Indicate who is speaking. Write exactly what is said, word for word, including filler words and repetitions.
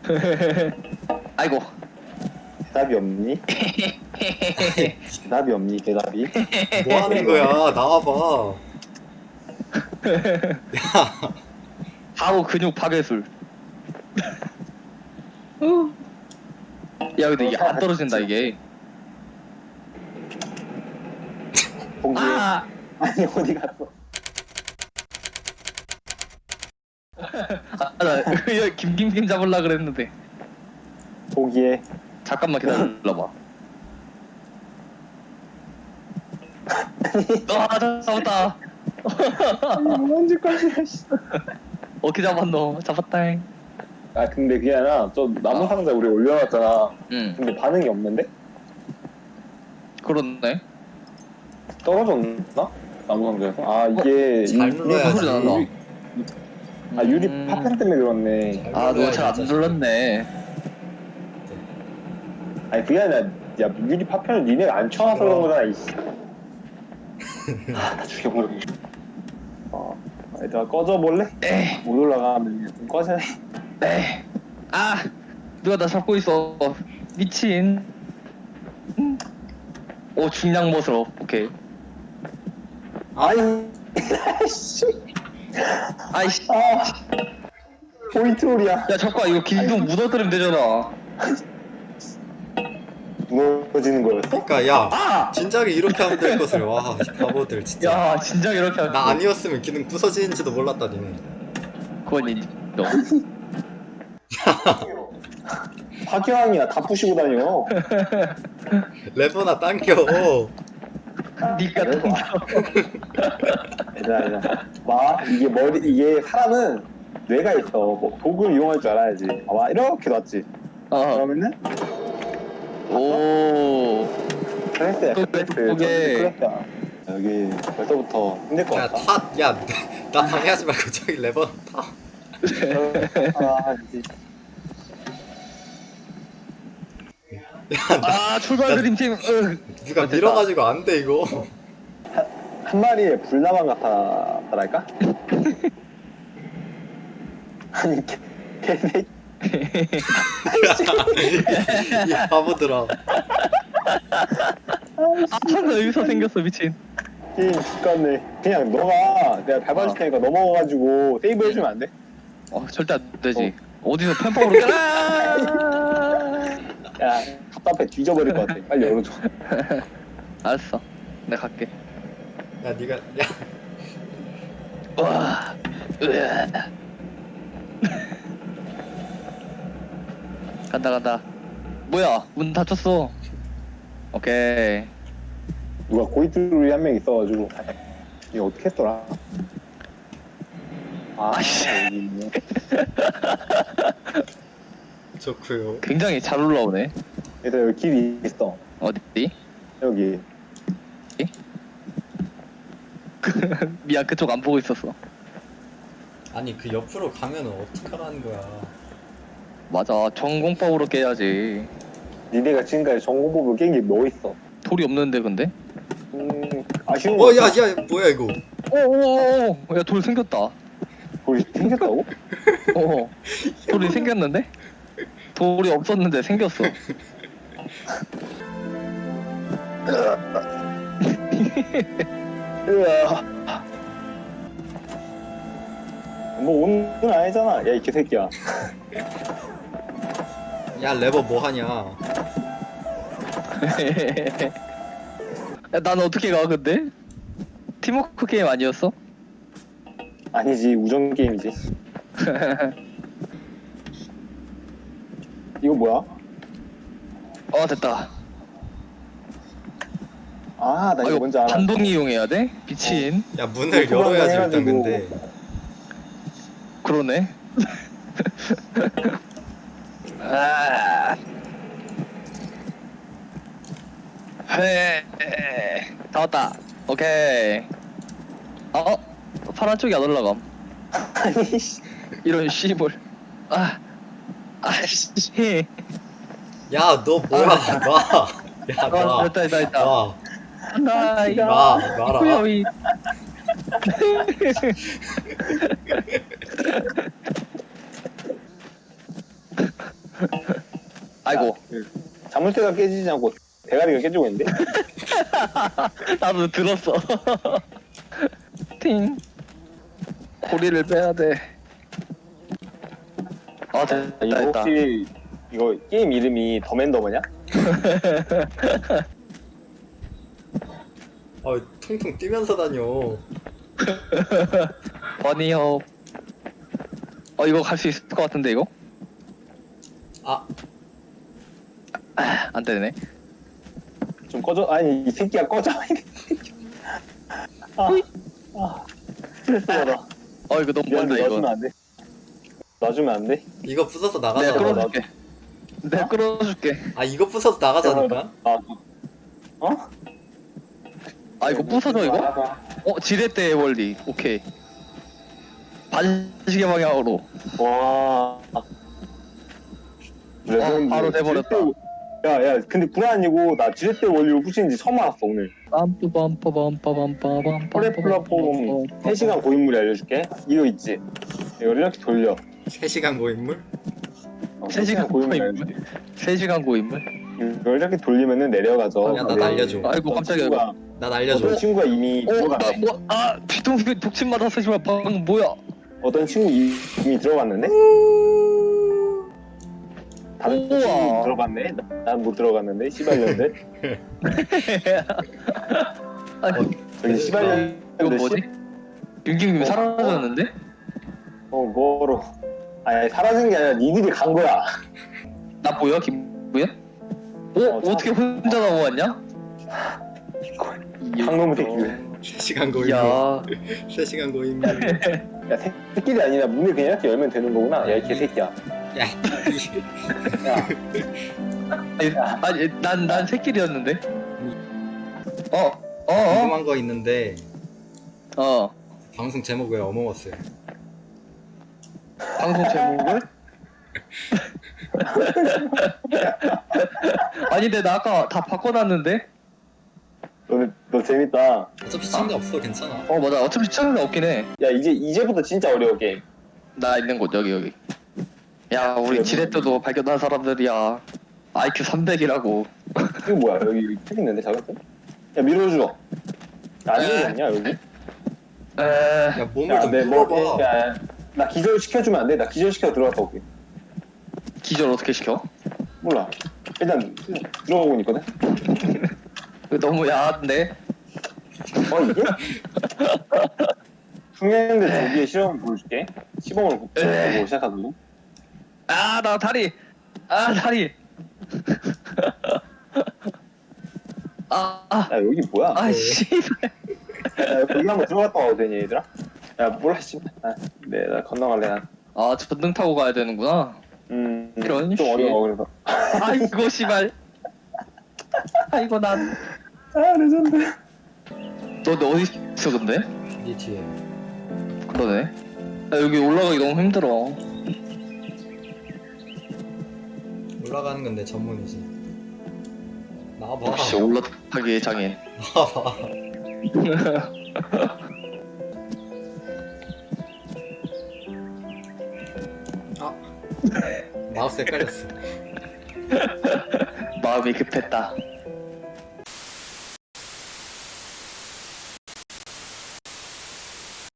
Speaker 1: 아이고.
Speaker 2: 대답이 없니? 대답이 없니? 대답이?
Speaker 3: 뭐 하는 거야? 나와봐. 야,
Speaker 1: 바로 근육 파괴술. 야 근데 이게 안 떨어진다 이게.
Speaker 2: 봉기.
Speaker 1: 아.
Speaker 2: 아니 어디 갔어?
Speaker 1: 아, 나 이거 김김김 잡으려 그랬는데.
Speaker 2: 포기해.
Speaker 1: 잠깐만 기다려봐. 아 잡았다.
Speaker 2: 뭔 짓거리야 씨.
Speaker 1: 어떻게 잡았노? 잡았다잉.
Speaker 2: 아 근데 그게 아니라 저 나무 상자 우리 올려놨잖아.
Speaker 1: 응.
Speaker 2: 근데 반응이 없는데?
Speaker 1: 그렇네.
Speaker 2: 떨어졌나? 나무 상자에서? 아 이게
Speaker 3: 잘
Speaker 2: 유-
Speaker 3: 눌러야지.
Speaker 1: 소리 나나?
Speaker 2: 유리, 아 유리
Speaker 1: 음.
Speaker 2: 파편 때문에 그렇네.
Speaker 1: 아 너 잘 안 눌렀네.
Speaker 2: 아니 그게 아니라 야 유리 파편을 니네가 안 쳐놔서 그런 거잖아 이씨. 아나 죽여버려. 어 얘들아 꺼져볼래?
Speaker 1: 에이
Speaker 2: 못 올라가면 좀 꺼져.
Speaker 1: 에이. 아 누가 나 잡고 있어. 미친. 음. 오 중량 모습. 오케이.
Speaker 2: 아이 씨.
Speaker 1: 아이씨.
Speaker 2: 아 포인트롤이야.
Speaker 1: 야 잠깐 이거 길동 묻어들으면 되잖아.
Speaker 2: 무너지는 거였어?
Speaker 3: 그러니까 야,
Speaker 1: 아!
Speaker 3: 진작에 이렇게 하면 될 것을. 와, 이 바보들 진짜.
Speaker 1: 야 진작 이렇게 하면
Speaker 3: 나 아니었으면 기능 부서지는지도 몰랐다 니네.
Speaker 1: 그건 인정.
Speaker 2: 화교왕이야 다 부시고 다녀.
Speaker 3: 레버나 당겨.
Speaker 1: 니가 당겨.
Speaker 2: 얘들아 얘들아 봐 이게 머리 이게 사람은 뇌가 있어. 뭐 도구를 이용할 줄 알아야지. 봐봐 이렇게 놨지.
Speaker 1: 어.
Speaker 2: 그러면은
Speaker 1: 오.
Speaker 2: 클래스야
Speaker 1: 또
Speaker 2: 클래스.
Speaker 1: 그게-
Speaker 2: 클래스야. 여기 벌써부터 힘들 것
Speaker 3: 야,
Speaker 2: 같다.
Speaker 3: 타, 야, 나 방해하지 말고 저기 레버 타.
Speaker 2: 아 이제
Speaker 3: 야, 나
Speaker 1: 아 출발 그림팀. 으.
Speaker 3: 누가
Speaker 1: 됐다.
Speaker 3: 밀어가지고 안 돼 이거.
Speaker 2: 한 마리의 불나방 같아랄까? 아니 개, 개새끼.
Speaker 3: 이 바보들아.
Speaker 1: 아 여기서 생겼어 미친.
Speaker 2: 게임 죽겠네. 그냥 너가 내가 밟아줄 테니까 넘어가가지고 세이브 해주면 안 돼?
Speaker 1: 어 절대 안 되지. 어. 디서 펜퍼로 깨라.
Speaker 2: 야 답답해 뒤져버릴 것 같아. 빨리 열어줘.
Speaker 1: 알았어. 내가 갈게.
Speaker 3: 야, 네가 야,
Speaker 1: 와. 으아. 간다 간다. 뭐야 문 닫혔어. 오케이.
Speaker 2: 누가 고이트롤이 한 명 있어가지고 이거 어떻게 했더라? 아
Speaker 1: 아이씨.
Speaker 2: 여기 있네.
Speaker 3: 좋고요.
Speaker 1: 굉장히 잘 올라오네.
Speaker 2: 얘들아 여기 길이 있어.
Speaker 1: 어디?
Speaker 2: 여기.
Speaker 1: 미안 그쪽 안 보고 있었어.
Speaker 3: 아니 그 옆으로 가면은 어떡하라는 거야.
Speaker 1: 맞아 전공법으로 깨야지.
Speaker 2: 니네가 지금까지 전공법을 깬 게 뭐 있어?
Speaker 1: 돌이 없는데 근데?
Speaker 2: 음 아쉬운
Speaker 3: 어,
Speaker 2: 거
Speaker 3: 야,
Speaker 2: 같아.
Speaker 3: 야, 뭐야 이거?
Speaker 1: 오오오 야돌 생겼다.
Speaker 2: 돌이 생겼다고?
Speaker 1: 어 돌이 생겼는데? 돌이 없었는데 생겼어.
Speaker 2: 으아. 뭐 오는 건 아니잖아. 야 이 개새끼야.
Speaker 3: 야, 레버 뭐 하냐?
Speaker 1: 야, 난 어떻게 가 근데? 팀워크 게임 아니었어?
Speaker 2: 아니지 우정 게임이지. 이거 뭐야?
Speaker 1: 어 됐다.
Speaker 2: 아 나
Speaker 1: 아,
Speaker 2: 이거 뭔지 알아.
Speaker 1: 반동 이용해야 돼? 미친.
Speaker 3: 야, 문을
Speaker 2: 그거
Speaker 3: 열어야지 일단
Speaker 2: 해가지고.
Speaker 3: 근데.
Speaker 1: 그러네. 아. 헤. 다 왔다. 오케이. 어? 파란 쪽이 안 올라감.
Speaker 2: 아니 씨.
Speaker 1: 이런 씨볼. 아. 아씨.
Speaker 3: 야, 너 뭐야? 놔. 야,
Speaker 1: 아,
Speaker 3: 놔.
Speaker 1: 됐다 됐다 됐다.
Speaker 3: 놔.
Speaker 1: 나 이거.
Speaker 3: 놔. 놔라.
Speaker 1: 후여이. 아이고
Speaker 2: 자물쇠가 깨지지 않고 대가리가 깨지고 있는데?
Speaker 1: 나도 들었어. 팅. 고리를 빼야 돼. 아 됐다
Speaker 2: 이거
Speaker 1: 됐다.
Speaker 2: 혹시 이거 게임 이름이 더맨더머냐?
Speaker 3: 아 퉁퉁 뛰면서 다녀.
Speaker 1: 버니협. 어 이거 갈 수 있을 것 같은데 이거?
Speaker 3: 아
Speaker 1: 아, 안 되네.
Speaker 2: 좀 꺼져. 아니 이 새끼야 꺼져. 아, 아 스트레스 받아.
Speaker 1: 어 이거 너무 멀다
Speaker 2: 미안한데
Speaker 1: 이거.
Speaker 2: 놔주면 안 돼? 놔주면 안 돼?
Speaker 3: 이거 부숴서
Speaker 1: 내가
Speaker 3: 나가잖아.
Speaker 1: 끌어줄게. 내가 끌어줄게.
Speaker 3: 아 이거 부숴서 나가자니까.
Speaker 2: 아, 어?
Speaker 1: 아 이거 부서져 이거? 어 지렛대 원리. 오케이. 반시계 방향으로.
Speaker 2: 와. 레전드.
Speaker 1: 바로 돼버렸다.
Speaker 2: 야야 근데 불안이고 나 지렛대 원리로 부시는지 처음 알았어 오늘.
Speaker 1: 빰빰빰빰빰빰빰빰.
Speaker 2: 퍼레 플랫폼 세 시간 고인물이 알려줄게. 이거 있지? 이걸 이렇게 돌려.
Speaker 3: 세 시간 고인물?
Speaker 2: 어,
Speaker 1: 세 시간 고인물.
Speaker 2: 알려줄게.
Speaker 1: 세 시간 고인물.
Speaker 2: 이걸 이렇게 돌리면은 내려가죠.
Speaker 3: 야, 나
Speaker 2: 근데
Speaker 3: 날려줘.
Speaker 1: 아이고,
Speaker 2: 어떤
Speaker 1: 깜짝이야,
Speaker 2: 친구가-
Speaker 3: 나 날려줘.
Speaker 2: 어떤 친구가 이미
Speaker 1: 어,
Speaker 2: 들어갔네.
Speaker 1: 나 뭐, 아, 뒤통수 독침 맞았어, 씨발. 방금 뭐야?
Speaker 2: 어떤 친구 이- 이미 들어갔는데? 다른
Speaker 1: 우와.
Speaker 2: 친구 들어갔네? 난 못 들어갔는데? 씨발년들?
Speaker 1: 아니,
Speaker 2: 저기 씨발년들
Speaker 1: 이거 뭐지? 윤기님
Speaker 2: 어,
Speaker 1: 사라졌는데?
Speaker 2: 어 뭐로 아니 사라진 게 아니라 니들이 간 거야.
Speaker 1: 나 뭐야, 김구야? 어,
Speaker 2: 어,
Speaker 1: 어떻게 혼자 나와왔냐?
Speaker 2: 강놈의 새끼들.
Speaker 3: 세 시간 고인물.
Speaker 1: 야,
Speaker 3: 세 시간 고인물.
Speaker 2: 야 새- 새끼들이 아니라 문을 그냥 이렇게 열면 되는 거구나. 야 이 개새끼야.
Speaker 3: 야,
Speaker 2: 야
Speaker 1: 아니, 아니 난, 난 새끼리였는데? 어, 어, 어,
Speaker 3: 궁금한 거 있는데
Speaker 1: 어.
Speaker 3: 방송 제목 왜 어머머스야?
Speaker 1: 방송 제목을? 아니, 근데 나 아까 다 바꿔놨는데?
Speaker 2: 너네 너 재밌다.
Speaker 3: 어차피 시청자 없어 괜찮아.
Speaker 1: 어, 맞아. 어차피 시청자 없긴 해.
Speaker 2: 야 이제 이제부터 진짜 어려워 게임.
Speaker 1: 나 있는 곳, 여기, 여기. 야, 우리 지렛대도 발견한 사람들이야. 아이큐 삼백이라고.
Speaker 2: 이거 뭐야 여기 여기 책 있는데 작은 야 밀어줘. 안 밀어줬냐 여기?
Speaker 1: 에,
Speaker 3: 야 몸을 좀
Speaker 2: 야내
Speaker 3: 풀어봐.
Speaker 2: 뭐, 야, 나 기절 시켜주면 안 돼? 나 기절 시켜 들어갔다 올게.
Speaker 1: 기절 어떻게 시켜?
Speaker 2: 몰라. 일단 들어가고 있거든.
Speaker 1: 이거 너무 야한데?
Speaker 2: 어 이게? 숙련대 조기의 실험을 보여줄게. 시범을 보고 시작하거든.
Speaker 1: 아, 나 다리! 아, 다리! 아, 아,
Speaker 2: 야 여기 뭐야?
Speaker 1: 아, 씨발.
Speaker 2: 야, 거기 한번 들어갔다 와도 되니 얘들아? 야 몰라 씨발. 아, 네, 나 건너갈래 난.
Speaker 1: 아, 전등 타고 가야 되는구나.
Speaker 2: 음,
Speaker 1: 이런
Speaker 2: 좀
Speaker 1: 씨.
Speaker 2: 어려워 그래서.
Speaker 1: 아이고, 씨발. 아이고, 난.
Speaker 2: 아 레전드.
Speaker 1: 너, 너 어디 있어, 근데?
Speaker 3: 네 뒤에.
Speaker 1: 그러네. 야, 여기 올라가기 너무 힘들어.
Speaker 3: 올라가는 건 내 전문이지. 나와봐.
Speaker 1: 역시 올라타기의 장인.
Speaker 3: 나와봐. 아 마우스 헷갈렸어.
Speaker 1: 마음이 급했다.